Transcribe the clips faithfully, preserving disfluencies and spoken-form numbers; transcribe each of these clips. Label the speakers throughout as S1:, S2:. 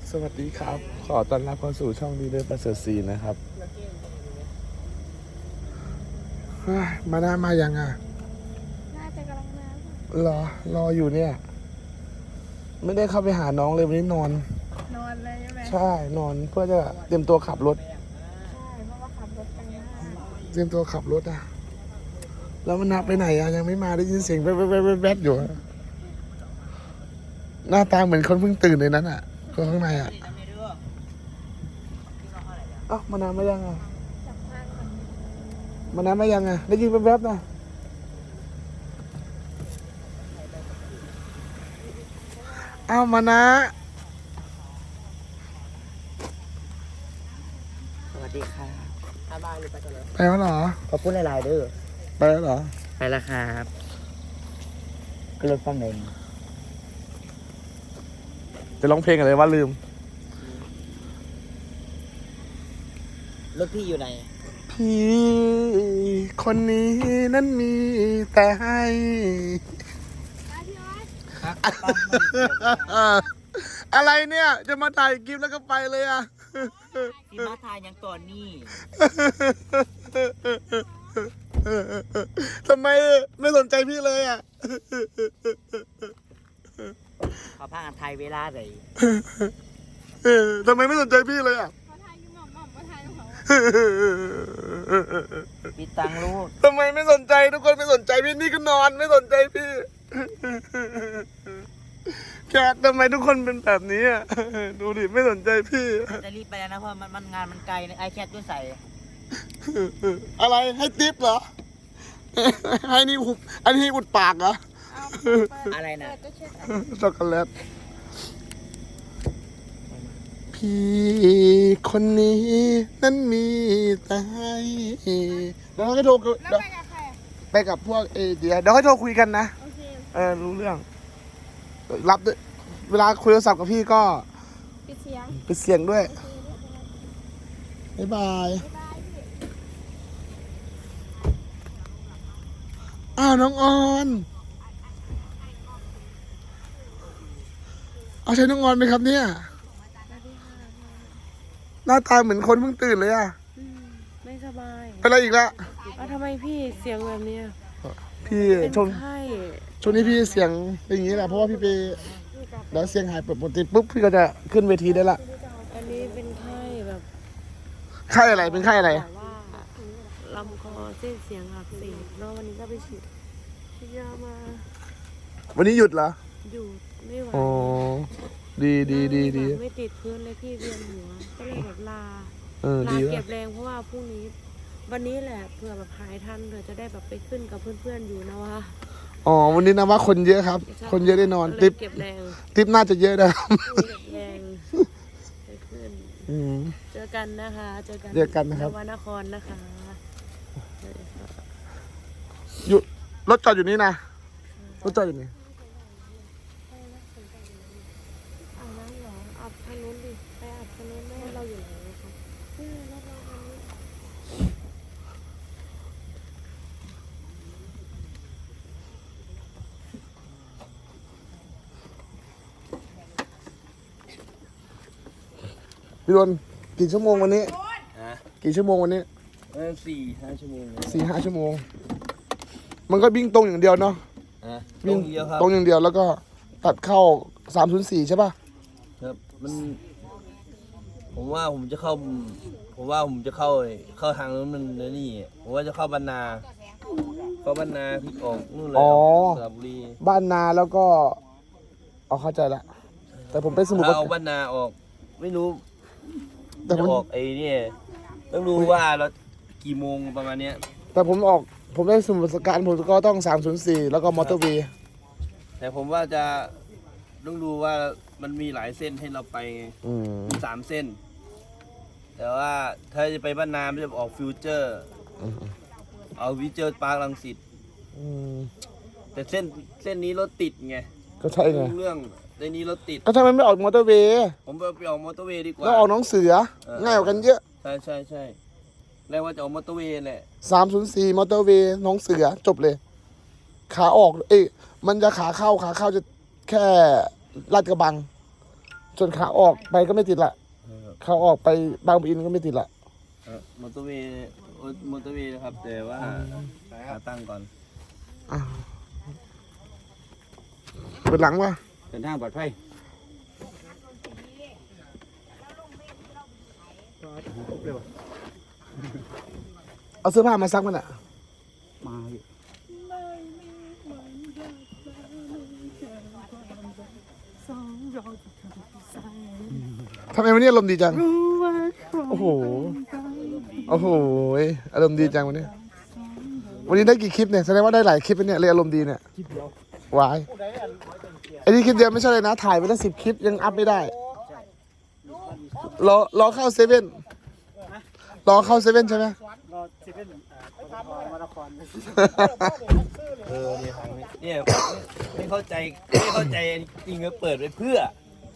S1: สวัสดีครับ ขอต้อนรับเข้าสู่ช่องดีเดอร์ประเสริฐศรีนะครับมาหน้ามายังอ่ะ
S2: น่าจะกำลังม
S1: ร
S2: า
S1: อ รออยู่เนี่ย ไม่ได้เข้าไปหาน้องเลยวันนี้นอน
S2: นอนเลยใช่ไหม
S1: ใช่ นอนเพื่อจะเตรียมตัวขับรถ
S2: ใช่เพราะว่าขับรถไปมาก
S1: เตรียมตัวขับรถอ่ะ แล้วมันนับไปไหนอ่ะยังไม่มาได้ยินเสียงแว๊บแว๊บแว๊บแว๊บอยู่ หน้าตาเหมือนคนเพิ่งตื่นเลยนั้นอ่ะคนข้างในอ่ะเอ้ามานานมายังอ่ะ
S2: จับข้างมัน
S1: มานานมายังอ่ะได้ยินแว๊บๆนะเอ้ามานะ
S3: สวัสดีค่ะอาบายหรือไปกันเลย
S1: ไปแล้วเหรอ
S3: ขอบคุณหลายๆเด้อ
S1: ไปแล้วเหรอ
S3: ไปแล้วครับก็รถฟังเอง
S1: จะร้องเพลงอะไรวะลืม
S3: รถพี่อยู่ไหน
S1: พี่คนนี้นั้นมีแต่ให้ อะไรเนี่ย จะมาถ่ายคลิปแล้วก็ไปเลยอ่ะ
S3: พี่มาทายยังก่อนนี่
S1: ทำไมไม่สนใจพี่เลยอ่ะ
S3: เขาพากันไทยเวลาไหน
S1: ทำไมไม่สนใจพี่เลยอ่ะ
S2: เขาทายอยู่หม่อมหม่อมเขาทายของเขา
S3: พี่ตังลูก
S1: ทำไมไม่สนใจทุกคนไม่สนใจพี่นี่ก็นอนไม่สนใจพี่แคททำไมทุกคนเป็นแบบนี้อ่ะดูดิไม่สนใจพี่
S3: จะรีบไปแล้วนะเพราะมันมันงานมันไกลนะไอแคทด้วยใส่
S1: อะไรให้ติ๊บเหรอ ให้นี่หุบอันนี้อุดปากเหรอ
S2: เอาเปิด
S3: อะไรนะ
S2: เปิดจะเช็ด
S1: ช็อกโกแลตพี่คนนี้นั้นมีแต่ให้เดี๋ยวเขาจะโทร
S2: แล้ว
S1: เดี๋ยว
S2: ไปกับใคร
S1: ไปกับพวกเอเดียเดี๋ยวเขาโทรคุยกันนะ
S2: โอเค
S1: เออรู้เรื่อง รับด้วยเวลาคุยโทรศัพท์กับพี่ก็
S2: ปิดเสียง
S1: ปิดเสียงด้วย
S2: โอเคเรียบร้อย
S1: บ๊ายบาย
S2: บ๊ายบายพี่
S1: อ้าวน้องออนเอาใช่น้องออนไหมครับเนี่ย
S2: สวัสดีค่ะ
S1: หน้าตาเหมือนคนเพิ่งตื่นเลยอะ
S4: อืมไม่สบาย
S1: เป็นอะไรอีกละ
S4: อ้าวทำไมพี่เสียงแบบเนี้ย
S1: พี่
S4: เป็น
S1: ช่วง
S4: ไข้
S1: ช่วงนี้พี่เสียงเป็นอย่างนี้แหละเพราะว่าพี่ไปแล้วเสียงหายปกติปุ๊บพี่ก็จะขึ้นเวทีได้ละ
S4: อันนี้เป็นไข้แบบ
S1: ไข้อะไรเป็นไข้อะไร
S4: บอกว่าลำคอเส้นเสียงอักเสบแล้ววันนี้ก็ไปฉีดฉีดยามา
S1: วันนี้หยุดเหรอ
S4: อยู่ไม่ไหว
S1: อ๋อดีดีดีดี
S4: นั่งไม่ติดพื้นเลยพี่เวียนหัวก็เลยแบบลา
S1: เออ
S4: ลา
S1: ดี
S4: เก็
S1: ว่ะ
S4: บแรงเพราะว่าพรุ่งนี้ วันนี้แหละเผื่อแบบหายทันเผื่อจะได้แบบไปขึ้นกับเพื่อนๆอยู่นะวะ
S1: อ๋อวันนี้นะว่าคนเยอะครับ คนเยอะได้นอน
S4: ก็เลย
S1: ติ๊บ
S4: เก็บแรง
S1: ติ๊บน่าจะเยอะนะครับ
S4: เก็บแรงไปขึ้น
S1: อืม
S4: เจอกันนะคะ เจอกัน
S1: เจอกันนะครับ
S4: นวนครนะคะสวัสดีค่ะ
S1: อยู่รถจอดอยู่นี่นะรถจอดอยู่นี่
S4: อาบน้ำเหรออาบทางนู้นดิ ไปอาบทางนู้นแม่เราอยู่ไหนนะคะนี่รถเราคันนี้
S1: พี่ดนกี่ชั่วโมงวันนี้
S3: ฮะ
S1: กี่ชั่วโมงวันนี้
S3: เออสี่ห้าชั่วโมง
S1: สี่ห้าชั่วโมง มันก็วิ่งตรงอย่างเดียวเนาะ
S3: ฮะ
S1: วิ่ง
S3: เยอะครับ
S1: ตรงอย่างเดียวแล้วก็ตัดเข้าสามศูนย์สี่ใช่ป่ะ
S5: ครับมันผมว่าผมจะเข้า ผมว่าผมจะเข้าเข้าทางนู้นมันนี่ผมว่าจะเข้าบรรนา เข้าบรรนาพลิกออกนู่นเลย
S1: อ๋อ
S5: สระบุรี
S1: บ้านนาแล้วก็เอาเข้าใจละแต่ผมไปสมุทรป
S5: ถ้า
S1: รา
S5: เอา
S1: การ
S5: บรรนาออก ไม่รู้
S1: แต่
S5: จะ
S1: ผม
S5: ออกไอ้นี่ต้องดูว่าเรากี่โมงประมาณเนี้ย
S1: แต่ผมออกผมไปสมุทรปราการผมก็ต้องสามศูนย์สี่แล้วก็มอเตอร์เวย์
S5: แต่ผมว่าจะต้องดูว่ามันมีหลายเส้นให้เราไปไง
S1: อืม
S5: มีสามเส้น แต่ว่าถ้าจะไปบ้านนาไม่จะออกฟิวเจอร์
S1: อืม
S5: เอาวิเจอร์ปาร์ครังสิต
S1: อืม
S5: แต่เส้นเส้นนี้รถติดไง
S1: ก็ใช่ไง
S5: รู้เรื่องในนี้รถติด
S1: ก็ทำไมไม่ออกมอเตอร์เวย์
S5: ผมไปไปออกมอเตอร์เวย์ดีกว่า
S1: แล้วออกหน้องเสือ
S5: เออ
S1: ง่ายกว่ากันเยอะ
S5: ใช่ใช่ใช่แล้วว่าจะออกมอเตอร์เวย์แหละ
S1: สามศูนย์สี่มอเตอร์เวย์หน้องเสือจบเลย ขาออก เอ้ยมันจะขาเข้าขาเข้าจะแค่ลาดกระบังส่วนขาออกไปก็ไม่ติดละขาออกไปบางปะอินก็ไม่ติดละ
S5: เออมอเตอร์เวย์มอเตอร์เวย์นะครับ แต่ว่าขาตั้งก่อน
S1: อ่ะเปิดหลังวะ
S3: เดินทางปลอดภัย
S1: เอาเสื้อผ้ามาซักมันอ่ะ
S3: มาอยู่
S1: ทำไมวันนี้อารมณ์ดีจัง โอ้โห โอ้โหอารมณ์ดีจังวันนี้ วันนี้ได้กี่คลิปเนี่ย แสดงว่าได้หลายคลิปนะเนี่ยเลยอารมณ์ดีเนี่ย
S3: คลิปเดียว
S1: วายไอ้นี่คลิปเดียวไม่ใช่เลยนะ ถ่ายไปตั้งสิบคลิปยังอัพไม่ได้ รอรอเข้าเซเว่นรอเข้าเซเว่นใช่ไหม
S3: รอเซเว่นมาราธอน
S5: เออเนี่ยทางนี้เนี่ยไม่เข้าใจไม่เข้าใจจริงๆก็เปิดไปเพื่อ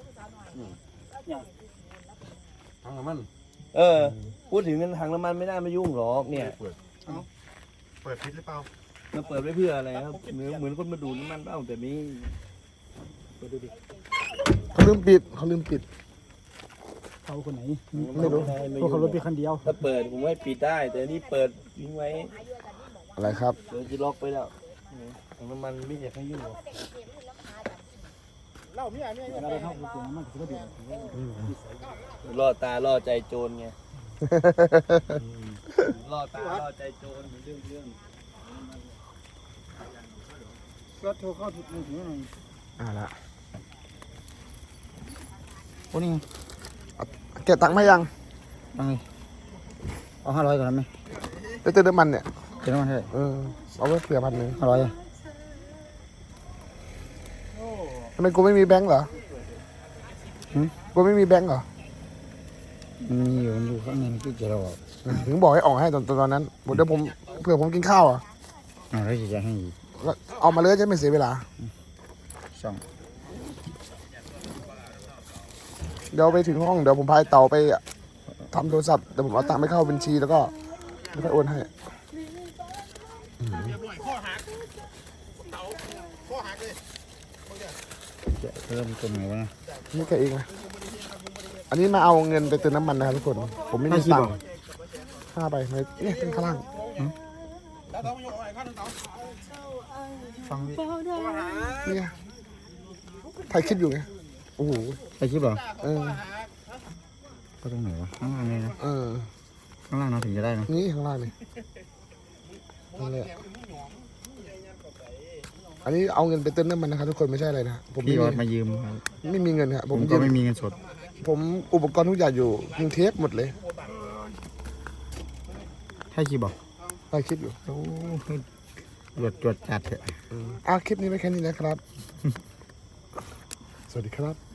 S1: ทางน้ำมัน
S5: เออ พูดถึงเงินทางน้ำมันไม่น่ามายุ่งหรอกเนี่ย
S1: เปิดพิษหรือเปล่า
S5: มันเปิดไปเพื่ออะไรครับเหมือนเหมือนคนมาดูดน้ำมันเปล่าแต่นี้เปิดดูดิ
S1: เขาลืมปิดเขาลืมปิด
S3: เขาคนไหน
S1: ไม่รู้
S3: พวกเขารถไปคันเดียว
S5: ถ้าเปิดผมว่าปิดได้ แต่นี่เปิดทิ้งไว้
S1: อะไรครับ
S5: เดี๋ยวจะล็อกไปแล้วทางน้ำมันไม่อยากให้ยุ่งหรอก
S3: อะไรเข้าไปตรงนั้นมันก็เดือด
S5: ล่อตาล่อใจโจรไงล่อตาล่อใจโจรเรื่องเรื่อง
S3: รถโทรเข้าถึงมือถือหน่อย
S1: อ่าละ
S3: โอ้นี่ไง
S1: เก็บตังค์มายัง
S3: ตังค์เอาห้าร้อยก่อนไหม
S1: ไปเติมน้ำมันเนี่ย
S3: เติมน้ำมันเท่าไหร่
S1: เออ เอาไว้เผื่อพันหนึ่ง
S3: ห้าร้อย
S1: ทำไมกูไม่มีแบงค์เหรอกูไม่มีแบงค์เหรอ
S3: มีอยู่มันอยู่ข้างในที่เจอเราอ่ะ
S1: ถึงบอกให้ออกให้ตอนตอนนั้นเดี๋ยวผมเผื่อผมกินข้าวอ่ะ
S3: อ่าแล้วจะให้อีก
S1: ก็เอามาเลยจะไม่เสียเวลา
S3: สอง
S1: เดี๋ยวไปถึงห้องเดี๋ยวผมพายเต่าไปทำโทรศัพท์เดี๋ยวผมเอาตังค์ไปเข้าบัญชีแล้วก็แล้วก็โอนให้
S3: จะเริ่มต้นไงวะ
S1: นี่แกเองนะอันนี้มาเอาเงินไปเติมน้ำมันนะครับทุกคน ผมไม่มีตังค์ห้าใบไหนเนี่ยเป็นข้างล่าง
S3: ฟังดิ
S1: เนี่ยถ่ายคลิปอยู่ไงโอ้โห
S3: ไปคลิปเหรอ
S1: เออ
S3: ก็ตรงไหนวะข้างล่างเลยนะ
S1: เออ
S3: ข้างล่างเราถึงจะได้นะ
S1: นี่ข้างล่างนี่นั่นแหละอันนี้เอาเงินไปเติมน้ำมันนะครับทุกคนไม่ใช่อะไรนะผม
S3: พี่
S1: ไม่
S3: ยอด
S1: มี
S3: มายืมครับ
S1: ไม่มีเงินครับ
S3: ผ
S1: ผม
S3: ม
S1: ยื
S3: ก็
S1: ม
S3: ไม่มีเงินสด
S1: ผมอุปกรณ์ทุกอย่างอยู่กรุงเทพหมดเลย
S3: ให้คลิปบอก
S1: ถ่ายคลิปอยู่
S3: โอ้ตรวจตรวจจัดเถอะ
S1: อ่ะคลิปนี้ไว้แค่นี้นะครับ สวัสดีครับ